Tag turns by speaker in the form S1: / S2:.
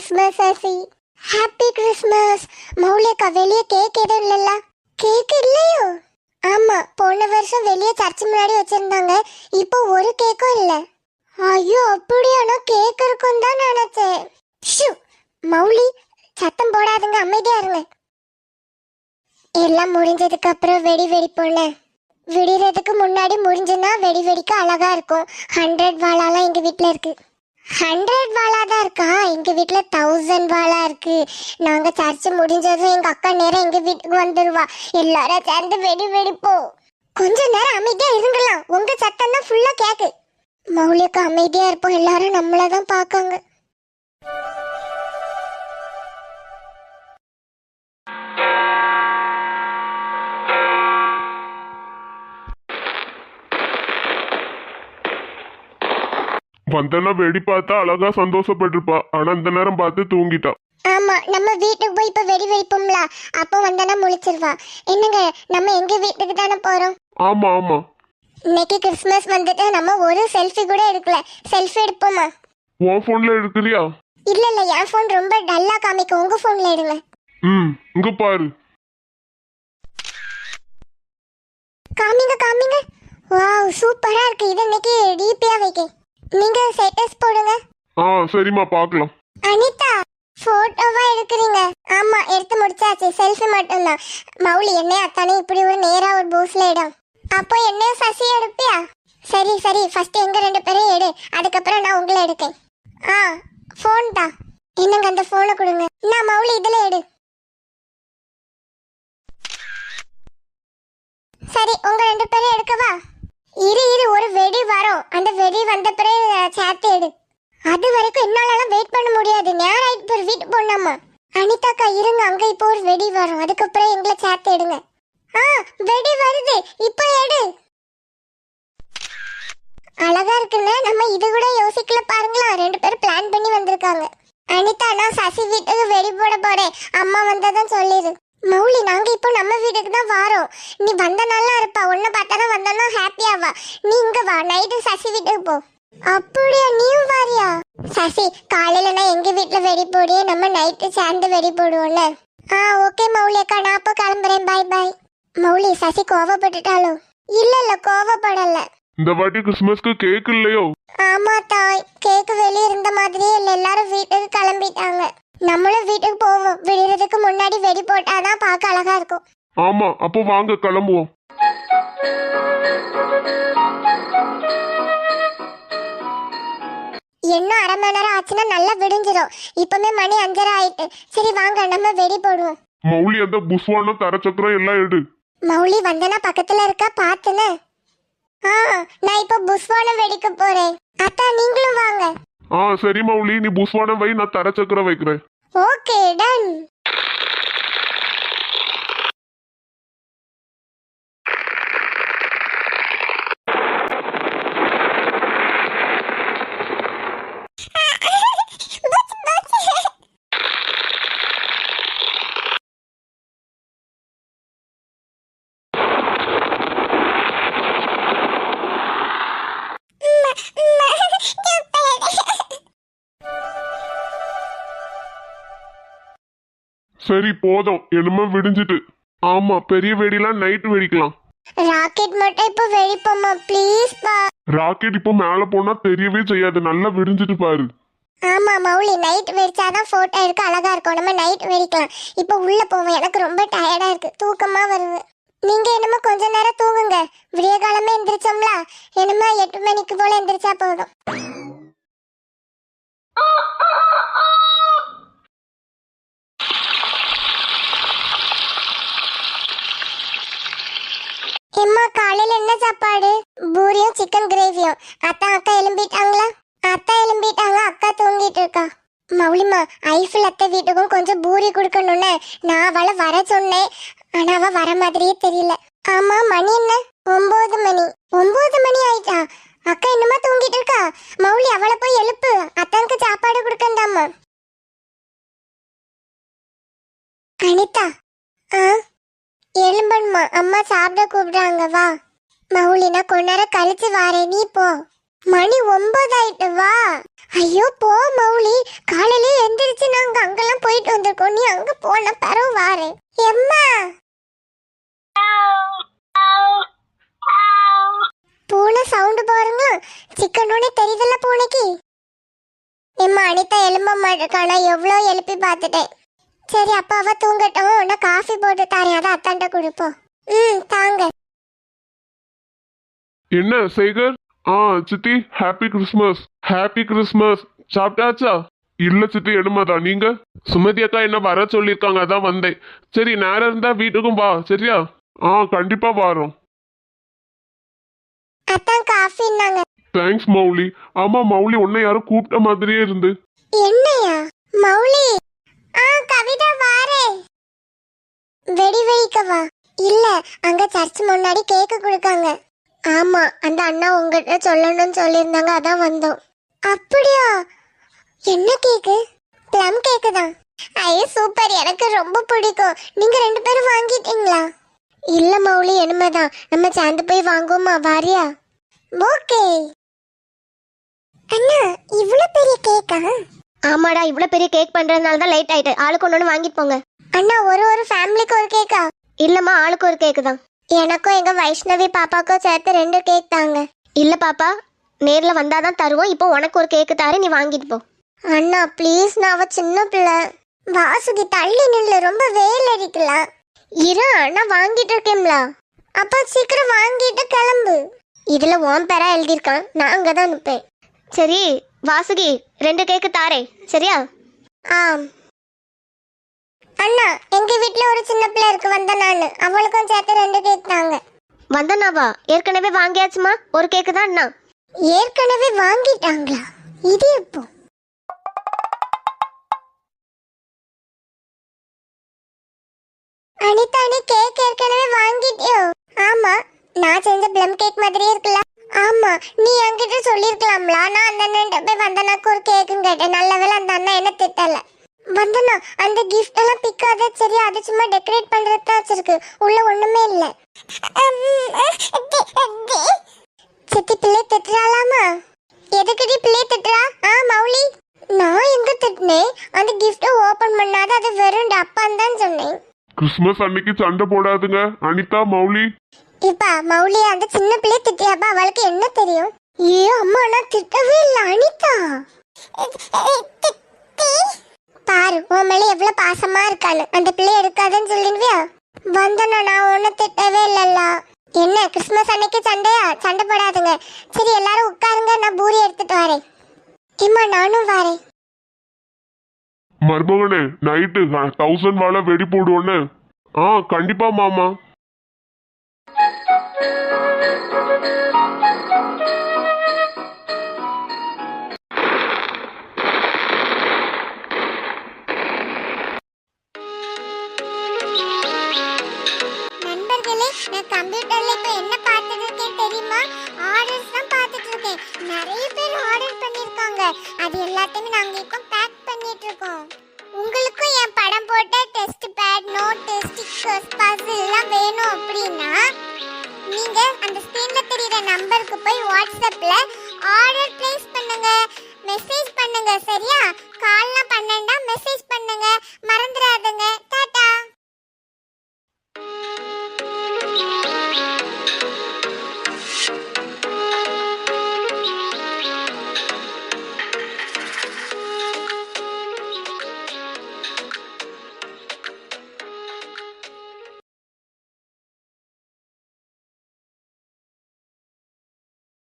S1: Christmas ஆசி. Happy Christmas. மௌலியக்கா வெளியே cake எதுவும் இல்லல்ல? கேக் இல்லையோ? ஆமா, போன வருஷம் வெளியே சர்ச் முன்னாடி வச்சிருந்தாங்க. இப்போ ஒரு கேக்கும் இல்ல. ஐயோ அப்படியானா கேக் இருக்கும் தான் நினைச்சேன். மௌலி சத்தம் போடாதுங்க, அமைதியா இருங்க. எல்லாம் முடிஞ்சதுக்கு அப்புறம் வெடி வெடிப்போம்ல. விடிறதுக்கு முன்னாடி முடிஞ்சுன்னா வெடி வெடிக்க அழகா இருக்கும். 100 வாளாலாம் எங்க வீட்டுல இருக்கு. 100 வாளா தான் இருக்கா? எங்க வீட்டுல 1000 வாளா இருக்கு. நாங்க சர்ச் முடிஞ்சதும் எங்க அக்கா நேரம் எங்க வீட்டுக்கு வந்துருவா. எல்லாரும் சேர்ந்து வெடி வெடிப்போம். கொஞ்ச நேரம் அமைதியா இருங்கலாம், உங்க சத்தம் தான் ஃபுல்லா கேக்கு. மௌலியக்கா அமைதியா இருப்போம், எல்லாரும் நம்மளதான் பாக்காங்க.
S2: வந்தனா வெடி பார்த்தா அழகா சந்தோஷப்பட்டிருப்பா. ஆனா இந்த நேரம் பார்த்து தூங்கிட்டா.
S1: ஆமா, நம்ம வீட்டுக்கு போய் இப்ப வெடி வெடிப்போம்ல, அப்போ வந்தனா முழிச்சிருவா. என்னங்க, நம்ம எங்க வீட்டுக்கு தானே போறோம்.
S2: ஆமா ஆமா,
S1: இன்னைக்கு கிறிஸ்மஸ் வந்துட்டு நம்ம ஒரு செல்ஃபி கூட எடுக்கல. செல்ஃபி எடுப்போமா?
S2: உன் போன்ல எடுக்கிறியா?
S1: இல்ல இல்ல, என் போன் ரொம்ப டல்லா காமிக்கும், உங்க போன்ல எடுங்க.
S2: இங்க பாரு.
S1: காமிங்க காமிங்க. வாவ், சூப்பரா இருக்கு. இது இன்னைக்கு டிபியா வைக்க. நீங்க ஸ்டேட்டஸ் போடுங்க.
S2: சரிம்மா, பார்க்கலாம்.
S1: அனிதா, போட்டோவா எடுக்கிறீங்க? ஆமா, எடுத்து முடிச்சாச்சு. செல்ஃபி மட்டும்தான். மௌலி என்னைய அத்தானே இப்படி ஒரு நேரா ஒரு போஸ்ல இடம். அப்போ என்னைய சசி எடுப்பியா? சரி சரி, ஃபர்ஸ்ட் எங்க 2 பேரையும் எடு, அதுக்கப்புறம் நான் உங்களை எடுக்கேன். போன் தான். என்னங்க அந்த போனை கொடுங்க. நான் மௌலி இதுல எடு. சரி, உங்க 2 பேரையும் எடுக்கவா? இரு இரு, ஒரு வெடி வரும். அந்த வெடி வந்த பிறகு சேர்த்து எடு. அது வரைக்கும் என்னாலலாம் வெயிட் பண்ண முடியாது. நேரம் ஆயிட்டு போய் வீட்டு போனாமா. அனிதாக்கா இருங்க, அங்க இப்போ ஒரு வெடி வரும், அதுக்கப்புறம் எங்களை சேர்த்து எடுங்க. வெடி வருது, இப்போ எடு. அழகா இருக்குன்னு நம்ம இது கூட யோசிக்கல பாருங்களா. 2 பேரும் பிளான் பண்ணி வந்திருக்காங்க. அனிதா, நான் சசி வீட்டுக்கு வெடி போட போறேன், அம்மா வந்ததான் சொல்லிடு. மௌலி, நாங்க இப்போ நம்ம வீட்டுக்கு தான் வாரோம். நீ வந்த நல்லா இருப்பா, உன்னை பார்த்தாதான் வந்தோன்னா ஹாப்பியாவா. நீ இங்க வா, நைட்டு சசி வீட்டுக்கு போ. அப்படியா, நீயும் வாரியா? சசி, காலையில நான் எங்க வீட்டுல வெடி போடியே, நம்ம நைட்டு சேர்ந்து வெடி போடுவோம்ல. ஓகே மௌலி அக்கா, நான் அப்போ கிளம்புறேன். பாய் பாய். மௌலி, சசி கோவப்பட்டுட்டாலோ? இல்ல இல்ல, கோவப்படல.
S2: இந்த வாட்டி கிறிஸ்மஸ்க்கு கேக் இல்லையோ?
S1: ஆமா தாய், கேக்கு வெளியே இருந்த மாதிரியே இல்ல, எல்லாரும் வீட்டுக்கு கிளம்பிட்டாங்க. நம்மளும் வீட்டுக்கு போவோம். விடுறதுக்கு முன்னாடி வெடி போட்டாதான் பார்க்க அழகா இருக்கும்.
S2: ஆமா, அப்போ வாங்க கிளம்புவோம்.
S1: இன்னும் அரை மணி நேரம் ஆச்சுன்னா நல்லா விடிஞ்சிடும். இப்பமே மணி 5:30 ஆயிட்டு. சரி வாங்க, நம்ம வெடி போடுவோம்.
S2: மௌலி, அந்த புஷ்வானம் தரச்சக்கரம் எல்லாம் எடு.
S1: மௌலி வந்தனா பக்கத்துல இருக்கா பாத்துன. நான் இப்ப புஷ்வானம் வெடிக்க போறேன். அத்தா, நீங்களும் வாங்க.
S2: சரி மௌலி, நீ புஷ்வானம் வை, நான் தரச்சக்கரம் வைக்கிறேன்.
S1: Okay, done.
S2: சரி போதும், என்னமோ விடிஞ்சிட்டு. ஆமா, பெரிய வெடிலாம் நைட் வெடிக்கலாம்.
S1: ராக்கெட் மட்டும் இப்ப வெடிப்போமா ப்ளீஸ் பா.
S2: ராக்கெட் இப்போ மேல போனா தெரியவே செய்யாது, நல்லா விடிஞ்சிட்டு பாரு.
S1: ஆமா மௌலி, நைட் வெடிச்சாதான் போட்டோ எடுக்க அழகா இருக்கும். நம்ம நைட் வெடிக்கலாம். இப்ப உள்ள போவோம், எனக்கு ரொம்ப டயர்டா இருக்கு, தூக்கமா வருது. நீங்க என்னமோ கொஞ்ச நேரம் தூங்குங்க. விடிய காலமே எந்திரிச்சோம்ல, என்னமோ 8 மணிக்கு போல எந்திரிச்சா போதும். எம்மா, காலையில என்ன சாப்பாடு? பூரியும் சிக்கன் கிரேவியும். அக்கா எழும்பிட்டாங்களா? அத்தா எழும்பிட்டாங்க, அக்கா தூங்கிட்டு இருக்கா. மௌலிமா, ஐஃபில் அத்தை வீட்டுக்கும் கொஞ்சம் பூரி கொடுக்கணும்னு நான் அவளை வர சொன்னேன். ஆனா அவ வர மாதிரியே தெரியல. ஆமா, மணி என்ன? 9 மணி. 9 மணி ஆயிட்டா? அக்கா என்னமா தூங்கிட்டு இருக்கா? மௌலி, அவளை போய் எழுப்பு, அத்தானுக்கு சாப்பாடு கொடுக்கண்டாமா. அனிதா, எழும்பணுமா? அம்மா சாப்பிட கூப்பிடுறாங்க, வா. மௌலி, நான் கொஞ்ச நேரம் கழிச்சு வாரேன், நீ போ. மணி 9 ஆயிட்டு வா. ஐயோ போ மௌலி, காலையில எந்திரிச்சு நாங்க அங்கெல்லாம் போயிட்டு வந்திருக்கோம். நீ அங்க போன பரவு வாரு. எம்மா பூனை சவுண்ட் பாருங்களா, சிக்கனோட தெரியுதுல்ல பூனைக்கு. எம்மா அனிதா எலும்ப மாட்டேக்கானா, எவ்வளோ எழுப்பி பார்த்துட்டேன். சரி அப்பாவா தூங்கட்டும், நான் காஃபி போட்டு தரேன், அதை அத்தாண்ட கொடுப்போம். தாங்க.
S2: என்ன சேகர்? சித்தி ஹாப்பி கிறிஸ்மஸ். Happy Christmas. சாப்பிட்டாச்சா? இல்ல சித்தி, எடுமாதான். நீங்க? சுமதி அக்கா என்ன வர சொல்லியிருக்காங்க, அதான் வந்தேன். சரி நேரம் இருந்தா வீட்டுக்கும் வா, சரியா? கண்டிப்பா வாரோம்.
S1: அத்தான் காஃபின்னாங்க.
S2: தேங்க்ஸ் மௌலி. ஆமா மௌலி, உன்னை யாரும் கூப்பிட்ட மாதிரியே இருந்து.
S1: என்னையா மௌலி? கவிதா வாரே. வெடி வெடிக்கவா? இல்ல, அங்க சர்ச் முன்னாடி கேக்கு கொடுக்காங்க. ஆமா, அந்த அண்ணா உங்ககிட்ட சொல்லணும்னு சொல்லியிருந்தாங்க, அதான் வந்தோம். அப்படியா? என்ன கேக்கு? ப்ளம் கேக்கு தான். ஐயோ சூப்பர், எனக்கு ரொம்ப பிடிக்கும். நீங்க 2 பேரும் வாங்கிட்டீங்களா? இல்ல மௌலி, என்னமேதான். நம்ம சேர்ந்து போய் வாங்குவோமா? வாரியா? ஓகே. அண்ணா இவ்ளோ பெரிய கேக்கா?
S3: ஆமாடா, இவ்ளோ பெரிய கேக் பண்றதுனால தான் லேட் ஆயிட்டு. ஆளுக்கு ஒண்ணு வாங்கிட்டு போங்க.
S1: அண்ணா ஒரு ஃபேமிலிக்கு ஒரு கேக்கா?
S3: இல்லம்மா, ஆளுக்கு ஒரு கேக்கு தான்.
S1: எனக்கும் எங்க வைஷ்ணவி பாப்பாக்கும் சேர்த்து 2 கேக் தாங்க.
S3: இல்ல பாப்பா, நேர்ல வந்தாதான் தருவோம். இப்போ உனக்கு ஒரு கேக்கு தாரு, நீ வாங்கிட்டு போ.
S1: அண்ணா ப்ளீஸ், நான் அவ சின்ன பிள்ளை. வாசுகி தள்ளி நில்லு, ரொம்ப வெயில் அடிக்கலாம். இரு, அண்ணா வாங்கிட்டு இருக்கேன்ல. அப்ப சீக்கிரம் வாங்கிட்டு கிளம்பு. இதுல உன் பேரா எழுதியிருக்கான், நான் அங்கதான் நிப்பேன்.
S3: சரி வாசுகி, 2 கேக்கு தாரே, சரியா?
S1: அண்ணா எங்க வீட்ல ஒரு சின்ன பிள்ளை இருக்கு, வந்த நானு, அவளுக்கும் சேர்த்து 2 கேக் தாங்க.
S3: வந்தனாவா? ஏற்கனவே வாங்கியாச்சுமா, ஒரு கேக்கு தான் அண்ணா.
S1: ஏற்கனவே வாங்கிட்டாங்களா? இது எப்போ? அனிதா, நீ கேக் ஏற்கனவே வாங்கிட்டியோ? ஆமா, நான் செஞ்ச ப்ளம் கேக் மாதிரியே இருக்குல்ல. ஆமா, நீ என்கிட்ட சொல்லிருக்கலாம்ல. நான் அந்த அண்ணன் போய் வந்தனாக்கு ஒரு கேக்குன்னு கேட்டேன். நல்ல வேளை அந்த அண்ணா என்ன திட்டல. வந்தனா அந்த கிஃப்ட் எல்லாம் பிக்காத, சரி அது சும்மா டெக்கரேட் பண்றது தான் வச்சிருக்கு, உள்ள ஒண்ணுமே இல்ல. சித்தி பிள்ளை திட்டுறாளாமா? எதுக்குடி பிள்ளை திட்டுறா? மௌலி, நான் எங்க திட்டினேன்? அந்த கிஃப்ட ஓபன் பண்ணாத, அது வெறும் டப்பான்னு தான் சொன்னேன்.
S2: கிறிஸ்மஸ் அன்னைக்கு சண்டை போடாதுங்க அனிதா, மௌலி.
S1: இப்பா மௌலி, அந்த சின்ன பிள்ளை திட்டியாப்பா, அவளுக்கு என்ன தெரியும்? அம்மா நான் திட்டவே இல்லை அனிதா. பாரு உன் மேல எவ்வளவு பாசமா இருக்கான்னு. அந்த பிள்ளை எடுக்காதுன்னு சொல்லிடுவியா? வந்தனா நான் ஒன்னும் திட்டவே இல்லல்ல. என்ன கிறிஸ்மஸ் அன்னைக்கு சண்டையா? சண்டை போடாதுங்க. சரி எல்லாரும் உட்காருங்க, நான் பூரி எடுத்துட்டு வரேன். இம்மா நானும் வரேன்.
S2: மருமகனே, நைட்டு 1000 வாழை வெடி போடுவோன்னு. கண்டிப்பா மாமா.
S1: நண்பர்களே, நான் கம்ப்யூட்டர்ல இப்ப என்ன பார்த்துட்டு இருக்கேன் தெரியுமா? ஆர்டர்ஸ் தான் பார்த்துட்டு இருக்கேன். நிறைய பேர் ஆர்டர் பண்ணிருக்காங்க. அது எல்லாத்தையும் நாங்க இப்போ பேக் பண்ணிட்டு இருக்கோம். உங்களுக்கும் என் படம் போட்ட test pad, note, stickers, puzzle எல்லாம் வேணும் அப்படின்னா நீங்க அந்த ஸ்கிரீன்ல தெரியுற நம்பருக்கு போய் வாட்ஸ்அப்ல ஆர்டர் பிளேஸ் பண்ணுங்க, மெசேஜ் பண்ணுங்க. சரியா? கால்லாம் பண்ணேன்டா மெசேஜ் பண்ணுங்க, மறந்துடாதீங்க.